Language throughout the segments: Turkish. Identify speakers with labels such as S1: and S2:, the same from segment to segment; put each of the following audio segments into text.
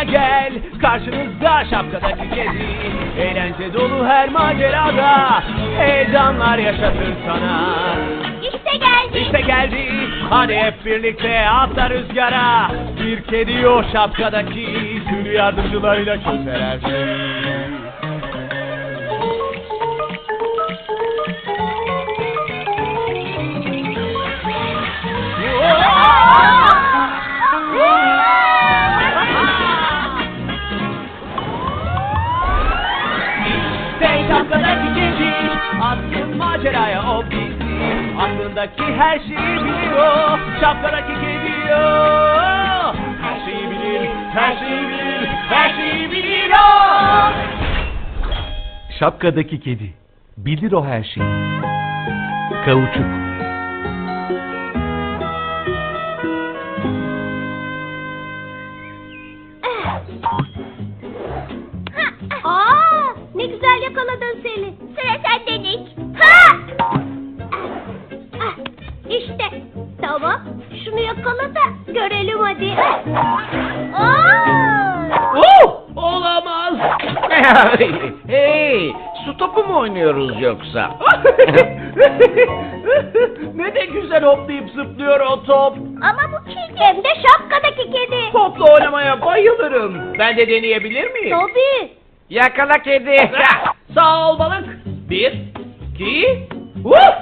S1: gel, karşınızda şapkadaki kedi. Eğlence dolu her macerada heyecanlar yaşatır sana.
S2: İşte geldi.
S1: İşte geldi, hadi hep birlikte atla rüzgara. Bir kedi o şapkadaki, tüm yardımcılarıyla çözer her şeyi. İşte şapkadaki kedi, atsın maceraya o bizi. Aklındaki her şeyi biliyor, şapkadaki kedi o. Her şeyi bilir, her şeyi bilir, her şeyi bilir o.
S3: Şapkadaki kedi. Bilir o her şeyi. Kauçuk.
S2: Ne güzel yakaladın Selin. Sıra sende Nick. Ha! İşte. Tamam. Şunu yakala da görelim hadi.
S1: Olamaz.
S4: Hey, su topu mu oynuyoruz yoksa?
S1: Ne de güzel hoplayıp zıplıyor o top.
S2: Ama bu kedi. Hem de şapkadaki kedi.
S1: Topla oynamaya bayılırım. Ben de deneyebilir miyim?
S2: Tabii.
S4: Yakala kedi.
S1: Sağ ol balık. 1, 2, Woof!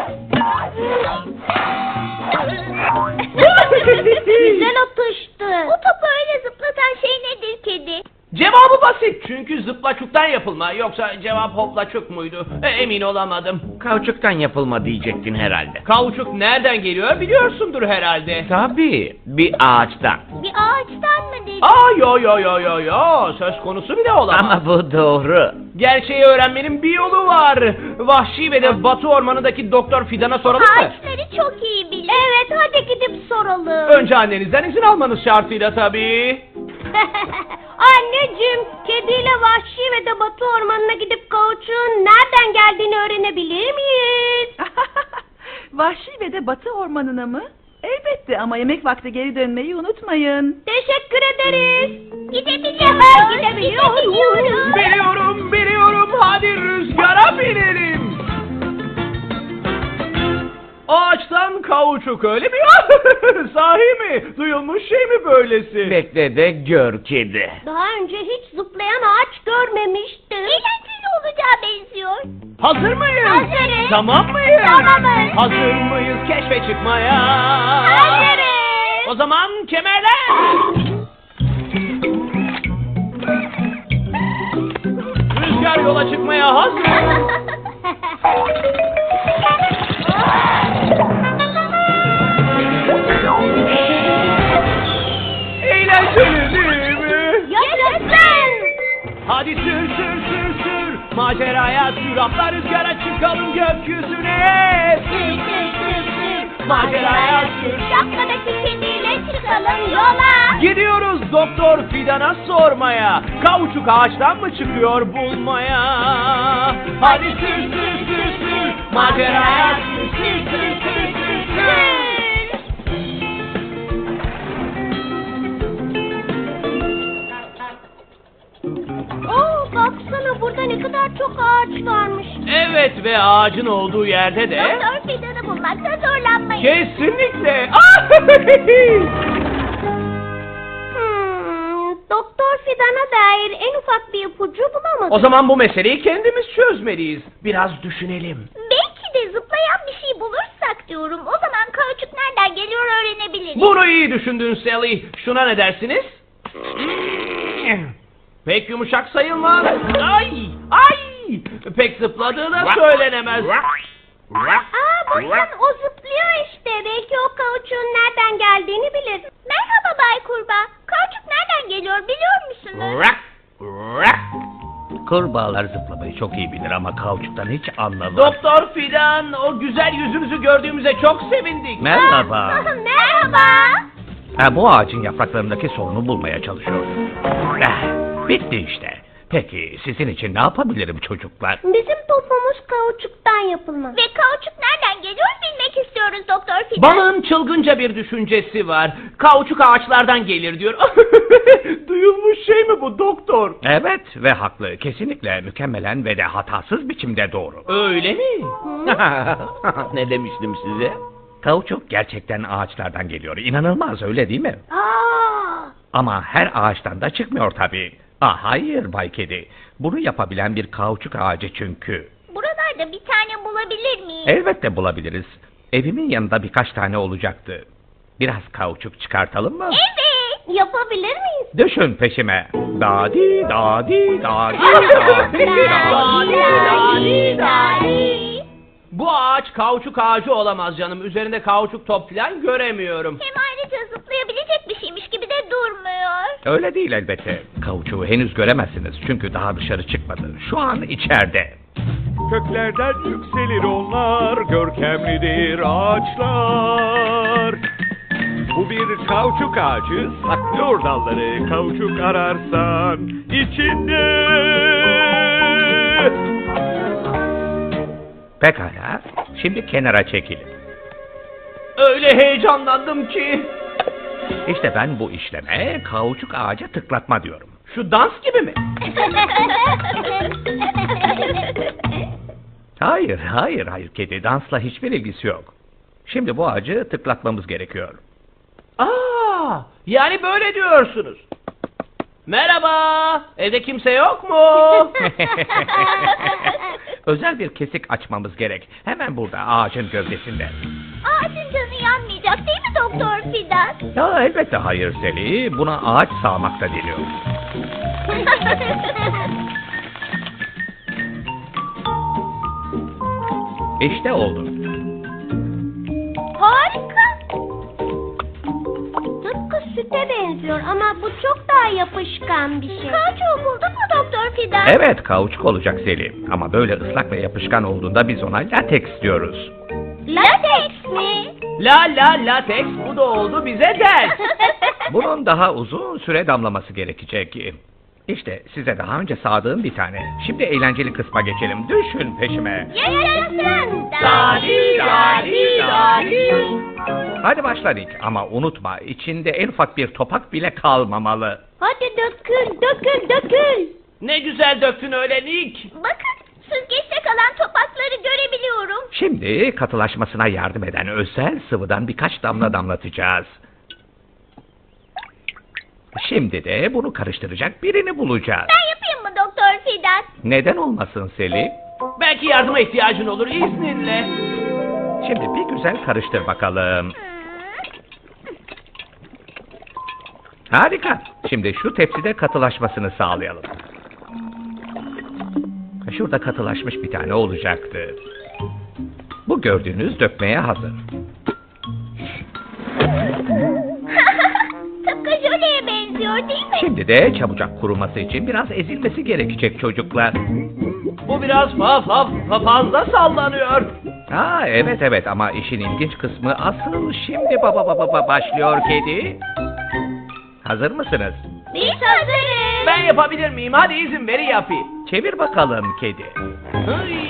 S2: Güzel atıştı. Bu topu öyle zıplatan şey nedir kedi?
S1: Cevabı basit çünkü zıplaçuktan yapılma. Yoksa cevap hoplaçuk muydu? Emin olamadım.
S4: Kauçuktan yapılma diyecektin herhalde.
S1: Kauçuk nereden geliyor biliyorsundur herhalde.
S4: Tabii, bir ağaçtan.
S2: Bir ağaçtan mı dedin?
S1: Yo. Söz konusu bile olamaz.
S4: Ama bu doğru.
S1: Gerçeği öğrenmenin bir yolu var. Vahşi ve de Batı ormanındaki Doktor Fidan'a soralım mı?
S2: Ağaçları çok iyi bilir. Evet, hadi gidip soralım.
S1: Önce annenizden izin almanız şartıyla tabii.
S2: Anneciğim, kediyle Vahşi ve de Batı ormanına gidip kauçuğun nereden geldiğini öğrenebilir miyiz?
S5: Vahşi ve de Batı ormanına mı? Elbette ama yemek vakti geri dönmeyi unutmayın.
S2: Teşekkür ederiz. Gidebiliyoruz.
S1: Biliyorum. Hadi rüzgara binelim. Ağaçtan kauçuk öyle mi? Sahi mi? Duyulmuş şey mi böylesi?
S4: Bekle de gör kedi.
S2: Daha önce hiç zıplayan ağaç görmemiştim. Eğlenceli olacağı benziyor.
S1: Hazır mıyız?
S2: Hazırız.
S1: Tamam mıyız?
S2: Tamamız.
S1: Hazır mıyız keşfe çıkmaya?
S2: Hazırız.
S1: O zaman kemerler. Rüzgar yola çıkmaya hazır. Eğlenceli değil mi?
S2: Yaşasın.
S1: Hadi sür. Maceraya sür, atla rüzgara çıkalım gökyüzüne.
S2: Sür.
S1: Maceraya sür.
S2: Şapkadaki kediyle çıkalım yola.
S1: Gidiyoruz Doktor Fidan'a sormaya. Kauçuk ağaçtan mı çıkıyor bulmaya? Hadi sür. Maceraya sür.
S2: Baksana burada ne kadar çok ağaç varmış.
S1: Evet ve ağacın olduğu yerde de...
S2: Doktor Fidan'ı bulmakta zorlanmayın.
S1: Kesinlikle.
S2: Doktor Fidan'a dair en ufak bir ipucu bulamadım.
S1: O zaman bu meseleyi kendimiz çözmeliyiz. Biraz düşünelim.
S2: Belki de zıplayan bir şey bulursak diyorum. O zaman kauçuk nereden geliyor öğrenebiliriz.
S1: Bunu iyi düşündün Sally. Şuna ne dersiniz? Pek yumuşak sayılmaz. Ay! Pek zıpladığı da söylenemez.
S2: Bakın o zıplıyor işte. Belki o kauçuğun nereden geldiğini bilir. Merhaba Bay Kurbağa. Kauçuk nereden geliyor biliyor musunuz?
S4: Kurbağalar zıplamayı çok iyi bilir ama kauçuktan hiç anlamaz.
S1: Doktor Fidan, o güzel yüzünüzü gördüğümüze çok sevindik.
S4: Merhaba.
S2: Merhaba.
S4: Bu ağacın yapraklarındaki sorunu bulmaya çalışıyor. Bitti işte. Peki sizin için ne yapabilirim çocuklar?
S2: Bizim topumuz kauçuktan yapılma. Ve kauçuk nereden geliyor bilmek istiyoruz Doktor Fidan.
S1: Balığın çılgınca bir düşüncesi var. Kauçuk ağaçlardan gelir diyor. Duyulmuş şey mi bu doktor?
S4: Evet ve haklı. Kesinlikle mükemmelen ve de hatasız biçimde doğru.
S1: Öyle mi? Ne demiştim size?
S4: Kauçuk gerçekten ağaçlardan geliyor. İnanılmaz öyle değil mi?
S2: Aa,
S4: Ama her ağaçtan da çıkmıyor tabii. Hayır Bay Kedi. Bunu yapabilen bir kauçuk ağacı çünkü.
S2: buralarda bir tane bulabilir miyim?
S4: Elbette bulabiliriz. Evimin yanında birkaç tane olacaktı. Biraz kauçuk çıkartalım mı?
S2: Evet, yapabilir miyiz?
S4: Düşün peşime. Dadi dadi dadi dadi dadi.
S1: Bu ağaç kauçuk ağacı olamaz canım. Üzerinde kauçuk top falan göremiyorum.
S2: Hem ayrıca zıplayabilecek bir şeymiş gibi de durmuyor.
S4: Öyle değil elbette. Kauçuğu henüz göremezsiniz çünkü daha dışarı çıkmadı. Şu an içeride.
S3: Köklerden yükselir onlar, görkemlidir ağaçlar. Bu bir kauçuk ağacı, saklıyor dalları, kauçuk ararsan içinde.
S4: Pekala. Şimdi kenara çekilin.
S1: Öyle heyecanlandım ki.
S4: İşte ben bu işleme kauçuk ağaca tıklatma diyorum.
S1: Şu dans gibi mi?
S4: Hayır kedi. Dansla hiçbir ilgisi yok. Şimdi bu ağacı tıklatmamız gerekiyor.
S1: Yani böyle diyorsunuz. Merhaba, evde kimse yok mu?
S4: Özel bir kesik açmamız gerek. Hemen burada ağacın gövdesinde.
S2: Ağacın canı yanmayacak değil mi Doktor Fidan?
S4: Ya elbette hayır Seli. Buna ağaç sağmak da deniyor. İşte oldu.
S2: Harika. Tıpkı süte benziyor ama bu çok daha yapışkan bir şey. Kauçuğu buldun mu Doktor Fidan?
S4: Evet kauçuk olacak Seli. Ama böyle ıslak ve yapışkan olduğunda biz ona lateks diyoruz.
S2: Lateks mi?
S1: Lateks bu da oldu bize ders.
S4: Bunun daha uzun süre damlaması gerekecek. İşte size daha önce sağdığım bir tane. Şimdi eğlenceli kısma geçelim. Düşün peşime.
S2: Yaşasın.
S1: Dadi, dadi, dadi.
S4: Hadi başla Nick. Ama unutma içinde en ufak bir topak bile kalmamalı.
S2: Hadi dökül.
S1: Ne güzel döktün öyle Nick.
S2: Bakın süzgeçte kalan topakları görebiliyorum.
S4: Şimdi katılaşmasına yardım eden özel sıvıdan birkaç damla damlatacağız. Şimdi de bunu karıştıracak birini bulacağız.
S2: Ben yapayım mı Doktor Fidan?
S4: Neden olmasın Seli?
S1: Belki yardıma ihtiyacın olur izninle.
S4: Şimdi bir güzel karıştır bakalım. Harika. Şimdi şu tepside katılaşmasını sağlayalım. Şurada katılaşmış bir tane olacaktı. Bu gördüğünüz dökmeye hazır.
S2: Tıpkı jöleye benziyor değil mi?
S4: Şimdi de çabucak kuruması için biraz ezilmesi gerekecek çocuklar.
S1: Bu biraz fazla sallanıyor.
S4: Evet ama işin ilginç kısmı asıl şimdi başlıyor kedi. Hazır mısınız?
S2: Biz hazırız.
S1: Ben yapabilir miyim? Hadi izin ver yapayım.
S4: Çevir bakalım kedi.
S1: Ay.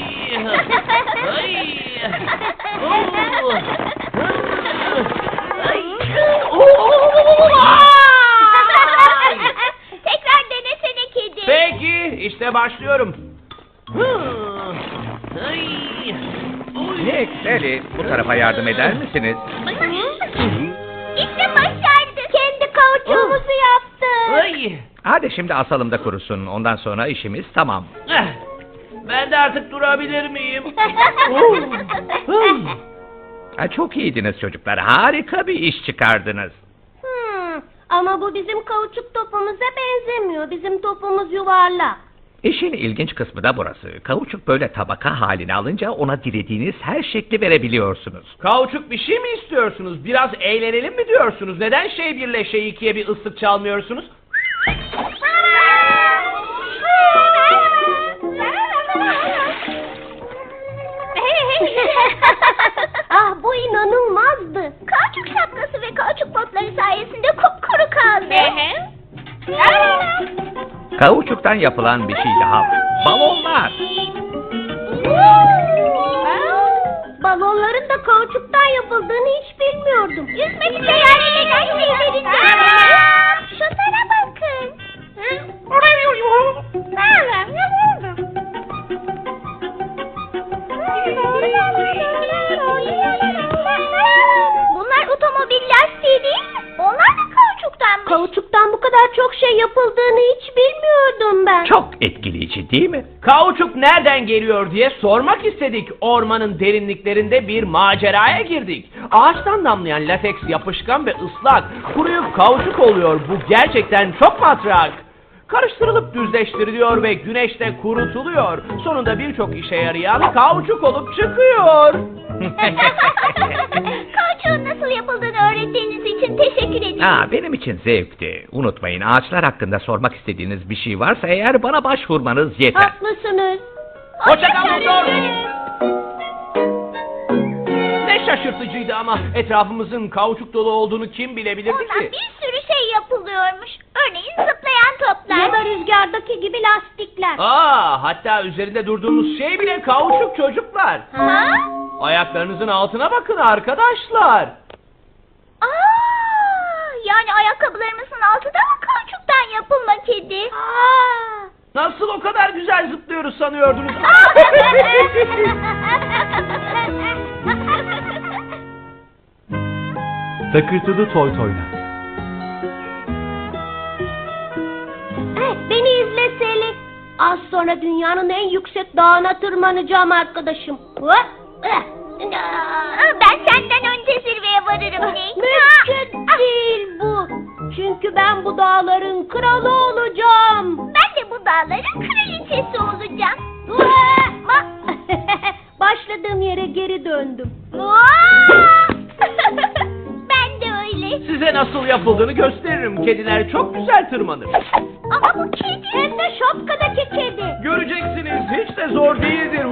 S2: Tekrar denesene kedi.
S1: Peki işte başlıyorum.
S4: Nick, Sally, bu tarafa yardım eder misiniz?
S2: İşte başardık. Kendi kauçuğumuzu yaptık.
S1: Ay.
S4: Hadi şimdi asalım da kurusun. Ondan sonra işimiz tamam.
S1: Ben de artık durabilir miyim?
S4: Çok iyiydiniz çocuklar. Harika bir iş çıkardınız.
S2: Ama bu bizim kauçuk topumuza benzemiyor. Bizim topumuz yuvarlak.
S4: İşin ilginç kısmı da burası. Kauçuk böyle tabaka haline alınca ona dilediğiniz her şekli verebiliyorsunuz.
S1: Kauçuk bir şey mi istiyorsunuz? Biraz eğlenelim mi diyorsunuz? Neden şey birle şey ikiye bir ıslık çalmıyorsunuz?
S2: Ah bu inanılmazdı. Kauçuk şapkası ve kauçuk botları sayesinde kupkuru kaldı.
S4: Kauçuktan yapılan bir şey daha var. Balonlar.
S2: Balonların da kauçuktan yapıldığını hiç bilmiyordum. Yüzmek için yani neden şeylerinde. Şunlara
S4: Ciddi mi?
S1: Kauçuk nereden geliyor diye sormak istedik. Ormanın derinliklerinde bir maceraya girdik. Ağaçtan damlayan lateks yapışkan ve ıslak. Kuruyup kauçuk oluyor. Bu gerçekten çok matrak. Karıştırılıp düzleştiriliyor ve güneşte kurutuluyor. Sonunda birçok işe yarayan kauçuk olup çıkıyor.
S2: Kauçuğun nasıl yapıldığını öğrettiğiniz için teşekkür ederim.
S4: Benim için zevkti. Unutmayın, ağaçlar hakkında sormak istediğiniz bir şey varsa eğer bana başvurmanız yeter.
S2: Haklısınız.
S1: Hoşça kal doktor. Ne şaşırtıcıydı ama etrafımızın kauçuk dolu olduğunu kim bilebilirdi
S2: Ondan
S1: ki?
S2: bir sürü şey yapılıyormuş. Örneğin zıplayan toplar. Ya da rüzgardaki gibi lastikler.
S1: Hatta üzerinde durduğumuz şey bile kauçuk çocuklar.
S2: Ha?
S1: Ayaklarınızın altına bakın arkadaşlar.
S2: Yani ayakkabılarımızın altı da mı kauçuktan yapılma kedi?
S1: Nasıl o kadar güzel zıplıyoruz sanıyordunuz?
S3: Takırtılı toy toynak.
S2: Beni izle Seli. Az sonra dünyanın en yüksek dağına tırmanacağım arkadaşım. Ben senden önce zirveye varırım Nick. Mümkün değil bu. Çünkü ben bu dağların kralı olacağım. Ben de bu dağların kraliçesi olacağım. Başladığım yere geri döndüm. Ben de öyle.
S1: Size nasıl yapıldığını gösteririm. Kediler çok güzel tırmanır.
S2: Ama bu kedi. Hem de şapkadaki kedi.
S1: Göreceksiniz, hiç de zor değildir.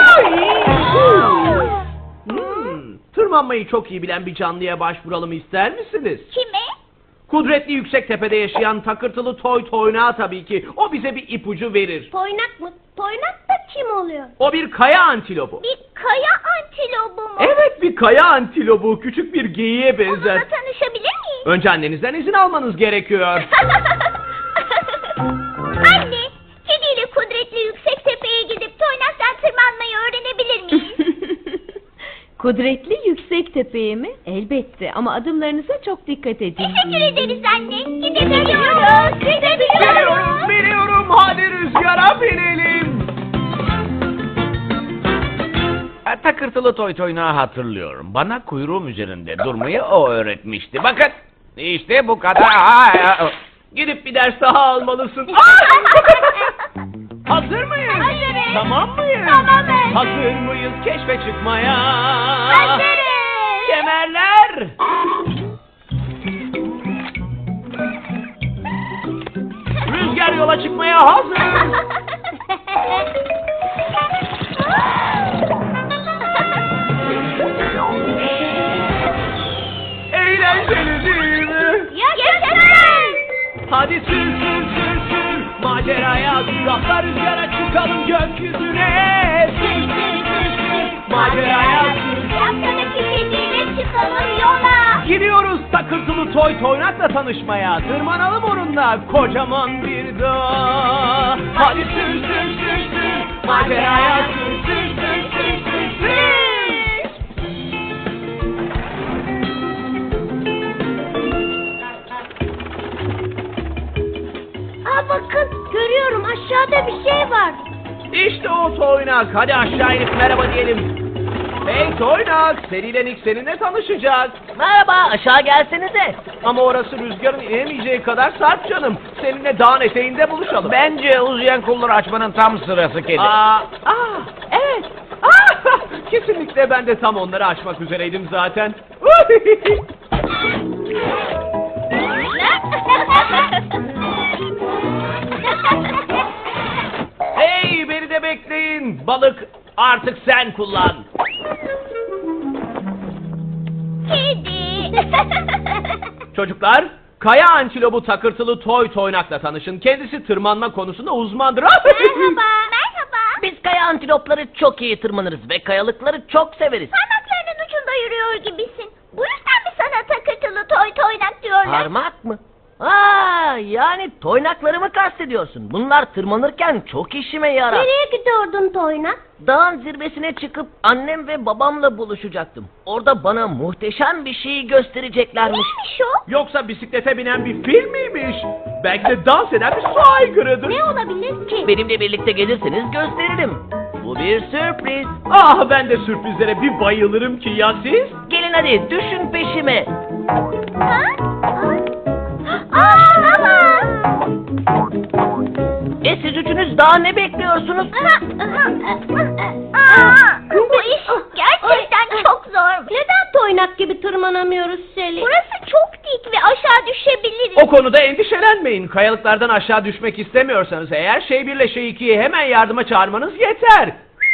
S1: Tırmanmayı çok iyi bilen bir canlıya başvuralım ister misiniz?
S2: Kime?
S1: Kudretli yüksek tepede yaşayan takırtılı toy toynağı tabii ki. O bize bir ipucu verir.
S2: Toynak mı? Toynak da kim oluyor?
S1: O bir kaya antilopu.
S2: Bir kaya antilopu mu?
S1: Evet, bir kaya antilopu. Küçük bir geyiğe benzer.
S2: Onunla tanışabilir miyim?
S1: Önce annenizden izin almanız gerekiyor.
S2: Anne, kediyle kudretli yüksek tepeye gidip toynaktan tırmanmayı öğrenebilir miyim?
S6: Kudretli yüksek tepeye mi? Elbette ama adımlarınıza çok dikkat edin.
S2: Teşekkür ederiz anne. Gidebiliyoruz.
S1: Biliyorum, biliyorum. Hadi rüzgara binelim.
S7: Takırtılı toy toynağı hatırlıyorum. Bana kuyruğum üzerinde durmayı o öğretmişti. Bakın, işte bu kadar.
S1: Gidip bir ders daha almalısın. Hazır mıyız?
S2: Hazırız.
S1: Tamam mıyız?
S2: Tamamız.
S1: Hazır mıyız keşfe çıkmaya?
S2: Hazırız.
S1: Kemerler. Rüzgar yola çıkmaya hazır. Eğlenceli değil mi?
S2: Yaşasın.
S1: Hadi sür sür sür sür maceraya sür, atla rüzgara çıkalım gökyüzüne.
S2: Sür sür sür sür.
S1: Maceraya sür.
S2: Şapkadaki kediyle çıkalım yola.
S1: Gidiyoruz takırtılı toy toynakla tanışmaya. Tırmanalım onunla kocaman bir dağ. Hadi sür sür sür sür maceraya sür sür sür sür sür sür.
S2: Bakın görüyorum aşağıda bir şey var.
S1: İşte o toynak. Hadi aşağı inip merhaba diyelim. Hey toynak, Seri Nick seninle tanışacak.
S8: Merhaba, aşağı gelsenize.
S1: Ama orası rüzgarın inemeyeceği kadar sarp canım. Seninle dağın eteğinde buluşalım.
S7: Bence uzayan kolları açmanın tam sırası kedi.
S1: Evet. Kesinlikle ben de tam onları aşmak üzereydim zaten. Hey, beni de bekleyin. Balık artık sen kullan.
S2: Kedi.
S1: Çocuklar, kaya antilopu takırtılı toy toynakla tanışın. Kendisi tırmanma konusunda uzmandır.
S2: Merhaba. Merhaba.
S8: Biz kaya antilopları çok iyi tırmanırız ve kayalıkları çok severiz.
S2: Parmaklarının ucunda yürüyor gibisin. Bu yüzden mi sana takırtılı toy toynak diyorlar?
S8: Parmak mı? yani toynaklarımı kastediyorsun. Bunlar tırmanırken çok işime yarar.
S2: Nereye gidiyordun Toynak?
S8: Dağın zirvesine çıkıp annem ve babamla buluşacaktım. Orada bana muhteşem bir şey göstereceklermiş.
S2: Neymiş o?
S1: Yoksa bisiklete binen bir fil miymiş? Belki de dans eden bir su aygırıdır.
S2: Ne olabilir ki?
S8: Benimle birlikte gelirseniz gösteririm. Bu bir sürpriz.
S1: Ah, ben de sürprizlere bir bayılırım ki, ya siz?
S8: Gelin hadi düşün peşime.
S2: Ha? Ama!
S8: Siz üçünüz daha ne bekliyorsunuz?
S2: Bu iş gerçekten çok zor. Neden Toynak gibi tırmanamıyoruz Selin? Burası çok dik ve aşağı düşebiliriz.
S1: O konuda endişelenmeyin. Kayalıklardan aşağı düşmek istemiyorsanız eğer şey 1 ile şey 2'yi hemen yardıma çağırmanız yeter.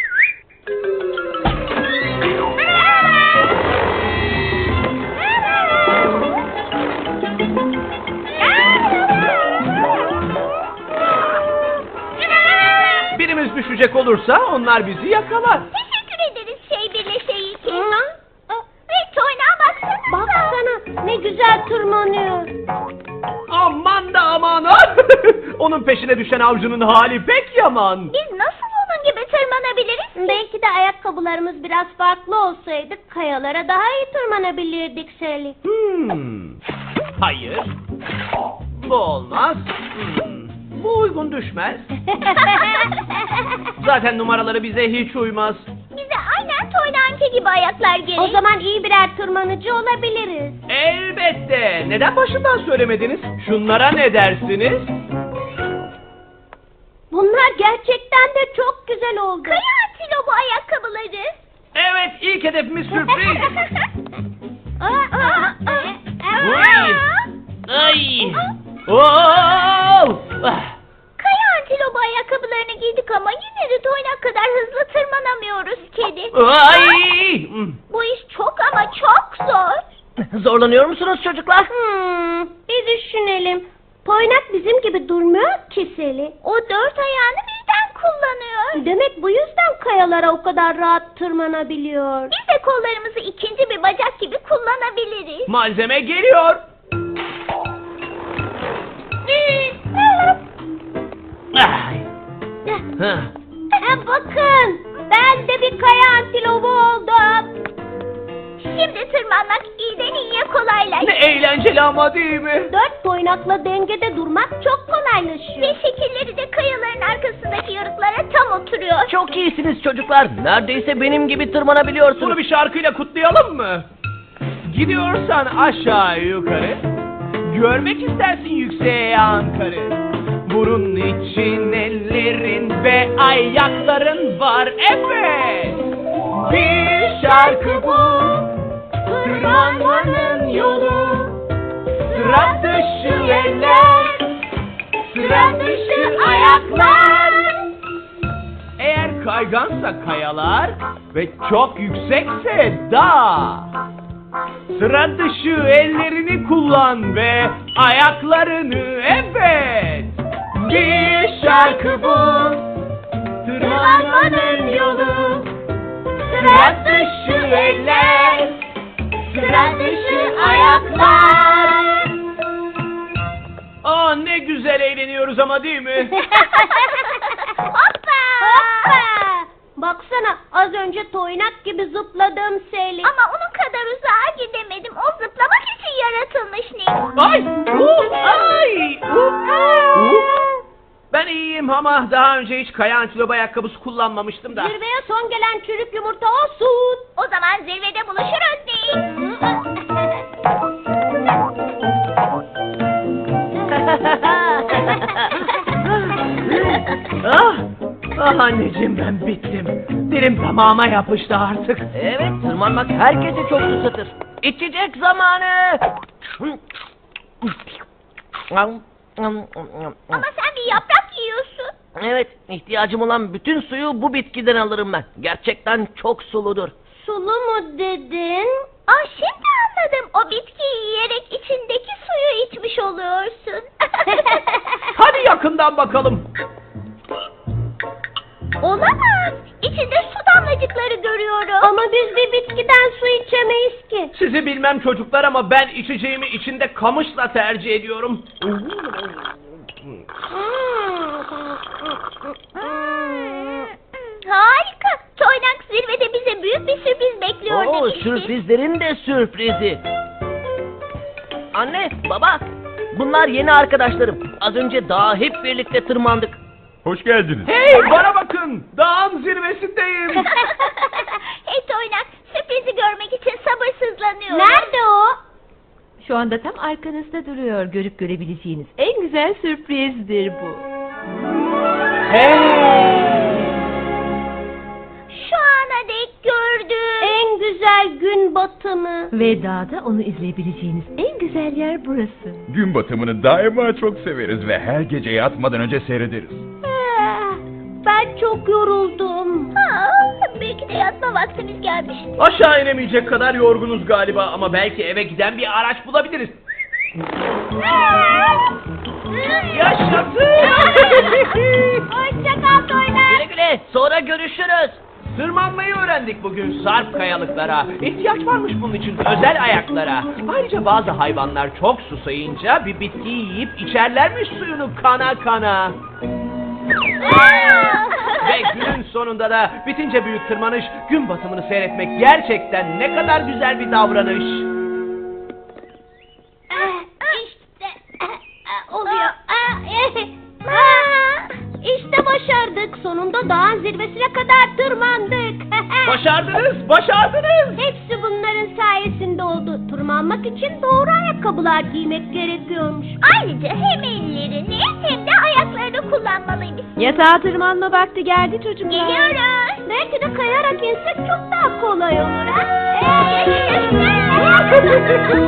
S1: Birimiz düşecek olursa onlar bizi yakalar.
S2: Teşekkür ederiz şey 1 ile şey 2. Ve Toynak'a baksana. Baksana ne güzel tırmanıyor.
S1: Aman da aman. Onun peşine düşen avcunun hali pek yaman.
S2: Biz nasıl onun gibi tırmanabiliriz? Belki de ayakkabılarımız biraz farklı olsaydı kayalara daha iyi tırmanabilirdik Selin.
S1: Hayır. Bu olmaz. Bu uygun düşmez. Zaten numaraları bize hiç uymaz.
S2: Bize aynen Toynak'ınki gibi ayaklar gerek. O zaman iyi birer tırmanıcı olabiliriz.
S1: Elbette. Neden başından söylemediniz? Şunlara ne dersiniz?
S2: Bunlar gerçekten de çok güzel oldu. Kaya antilopu ayakkabıları.
S1: Evet, ilk hedefimiz sürpriz.
S8: Ay!
S1: Oo!
S2: Kaya antilopu ayakkabılarını giydik ama yine de Toynak kadar hızlı tırmanamıyoruz kedi.
S1: Ay!
S2: Bu iş çok ama çok zor.
S8: Zorlanıyor musunuz çocuklar?
S2: Bir düşünelim. Toynak bizim gibi durmuyor ki Seli. O 4 ayağını birden kullanıyor. Demek bu yüzden kayalara o kadar rahat tırmanabiliyor. Biz de kollarımızı ikinci bir bacak gibi kullanabiliriz.
S1: Malzeme geliyor. Ay.
S2: Bakın, ben de bir kaya antilopu oldum. Şimdi tırmanmak iyiden iyiye kolaylaştı.
S1: Ne eğlenceli ama değil mi?
S2: 4 toynakla dengede durmak çok kolaylaşıyor. Ve şekilleri de kayaların arkasındaki yarıklara tam oturuyor.
S8: Çok iyisiniz çocuklar. Neredeyse benim gibi tırmanabiliyorsunuz.
S1: Bunu bir şarkıyla kutlayalım mı? Gidiyorsan aşağı yukarı, görmek istersin yükseğe Ankara'yı. Burun için ellerin ve ayakların var, evet. Bir şarkı bu, tırmanmanın yolu. Sıra dışı eller, sıra dışı ayaklar. Eğer kaygansa kayalar ve çok yüksekse dağ, sıra dışı ellerini kullan ve ayaklarını, evet. Bir şarkı bu, tırmanmanın yolu. Sıra dışı eller, sıra dışı ayaklar. Aa, ne güzel eğleniyoruz ama değil mi?
S2: Hoppa! Hoppa! Baksana az önce toynak gibi zıpladım Selin. Ama onun kadar uzağa gidemedim. O zıplamak için yaratılmış Nick.
S1: Ay! Ay! Ben iyiyim ama daha önce hiç kaya antilopu ayakkabısı kullanmamıştım da.
S2: Zirveye son gelen çürük yumurta olsun. O zaman zirvede buluşuruz Nick.
S1: Ah anneciğim, ben bittim. Dilim tamama yapıştı artık.
S8: Evet, tırmanmak herkesi çok susatır. İçecek zamanı.
S2: Ama sen bir yaprak yiyorsun.
S8: Evet, ihtiyacım olan bütün suyu bu bitkiden alırım ben. Gerçekten çok suludur.
S2: Sulu mu dedin? Ah, şimdi anladım. O bitkiyi yiyerek içindeki suyu içmiş oluyorsun.
S1: Hadi yakından bakalım.
S2: Olamaz. İçinde su damlacıkları görüyorum. Ama biz bir bitkiden su içemeyiz ki.
S1: Sizi bilmem çocuklar ama ben içeceğimi içinde kamışla tercih ediyorum.
S2: Harika. Toynak zirvede bize büyük bir sürpriz bekliyor
S8: Oo,
S2: demişti.
S8: sürprizlerin de sürprizi. Anne, baba, bunlar yeni arkadaşlarım. Az önce dağa hep birlikte tırmandık.
S3: Hoş geldiniz.
S1: Hey bana bakın, dağın zirvesindeyim.
S2: Hey Toynak, sürprizi görmek için sabırsızlanıyorum. Nerede o?
S6: Şu anda tam arkanızda duruyor. Görüp görebileceğiniz en güzel sürprizdir bu.
S2: Şu ana dek gördüğüm en güzel gün batımı.
S6: Ve dağda onu izleyebileceğiniz en güzel yer burası.
S3: Gün batımını daima çok severiz ve her gece yatmadan önce seyrederiz.
S2: Ben çok yoruldum. Belki de yatma vaktimiz gelmiş.
S1: Aşağı inemeyecek kadar yorgunuz galiba ama belki eve giden bir araç bulabiliriz. Yaşasın!
S2: Hoşça kal Toynak.
S8: Güle güle, sonra görüşürüz.
S1: Tırmanmayı öğrendik bugün sarp kayalıklara. İhtiyaç varmış bunun için özel ayaklara. Ayrıca bazı hayvanlar çok susayınca bir bitkiyi yiyip içerlermiş suyunu kana kana. Ve günün sonunda da bitince büyük tırmanış, gün batımını seyretmek gerçekten ne kadar güzel bir davranış.
S2: İşte oluyor. İşte başardık. Sonunda dağın zirvesine kadar tırmandık.
S1: Başardınız, başardınız.
S2: Hepsi bunların sayesinde oldu. Tırmanmak için doğru ayakkabılar giymek gerekiyormuş. Ayrıca hem ellerini hem de ayaklarını kullanmalıyız.
S6: Yatağa tırmanma vakti geldi çocuklar.
S2: Geliyoruz. Belki de kayarak insek çok daha kolay olur ha.